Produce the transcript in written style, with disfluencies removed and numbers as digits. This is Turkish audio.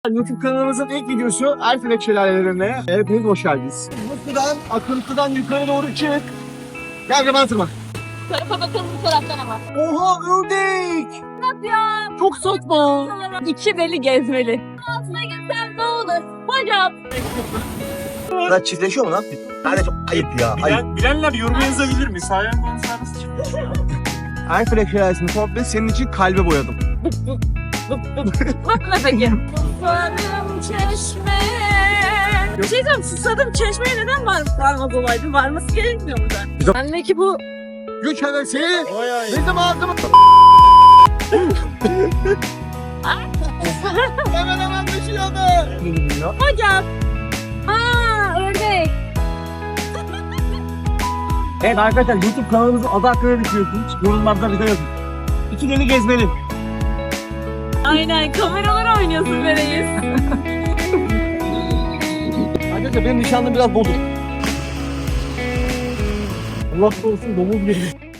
YouTube kanalımızın ilk videosu Erfelek Şelalelerine. Hepiniz hoş geldiniz. Bu sudan, akıntıdan yukarı doğru çık. Gel de bana tırma. Tarafa bakalım bu taraftan ama. Oha ördek! Nasıl ya? Çok saçma. İki deli gezmeli. Altına gitsem ne olur? Hocam. Bunlar çiftleşiyor mu lan? Yani çok ayıp ya. Ayıp. Bilenler yorum yazabilir mi? Sayan manzarası çıkıyor. Erfelek Şelalesi'ni komple senin için kalbe boyadım. Bakma peki. Susadım çeşmeye. Bir şey diyeceğim, susadım çeşmeye neden varmaz olaydı? Varması gerekmiyor mu da? Anne ki bu Güç hevesi bizim ağzımız. Hemen düşüyordu. hocam. Aa ördek. Evet arkadaşlar YouTube kanalımızın adı hakkında ne düşünüyorsunuz? Yorumlarda bize yazın. İki deli gezmeli. Aynen kameralar oynuyorsun be reis. Arkadaşlar benim nişanlım biraz bozuk. Allah korusun domuz gibi.